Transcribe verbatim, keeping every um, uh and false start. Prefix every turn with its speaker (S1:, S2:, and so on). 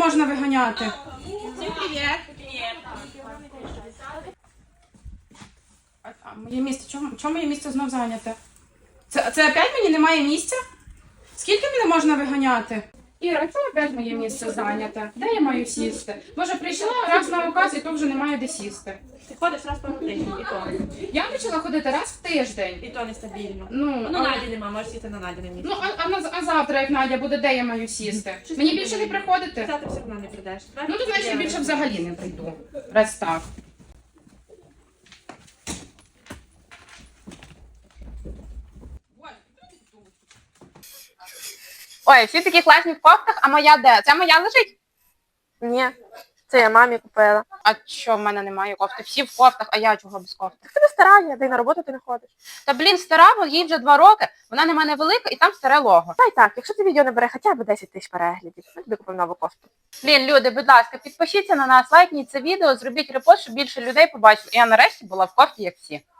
S1: можна виганяти?
S2: Всім привіт.
S1: А, а моє місце, чому, чому моє місце знов зайняте? Це, це опять мені немає місця? Скільки мене можна виганяти? Іра, чому опять моє місце зайняте? Де я маю сісти? Може, прийшла раз на указ і то вже немає де сісти.
S2: Ти ходиш раз по тиждень, і то.
S1: Я почала ходити раз в тиждень.
S2: І то нестабільно.
S1: Ну,
S2: Ну,
S1: а,
S2: Наді нема, можеш сісти на Наді на місці.
S1: ну а, а, на- а завтра, як Надя буде, де я маю сісти?
S2: Щось
S1: Мені
S2: не
S1: більше не
S2: буде.
S1: приходити?
S2: Завтра все одно не прийдеш.
S1: Ну, то значить, я більше взагалі не прийду. Раз так.
S3: Ой, всі такі класні в кофтах, а моя де? Це моя лежить?
S4: Ні, це я мамі купила.
S3: А що в мене немає кофти? Всі в кофтах, а я чого без кофти?
S4: Так ти не стара, я, де й на роботу ти не ходиш.
S3: Та блін, стара, бо їй вже два роки, вона не мене велика і там старе лого.
S4: Та й так, якщо це відео набере хоча б десять тисяч переглядів, я тобі купив нову кофту.
S3: Блін, люди, будь ласка, підпишіться на нас, лайкніть це відео, зробіть репост, щоб більше людей побачили. І я нарешті була в кофті, як всі.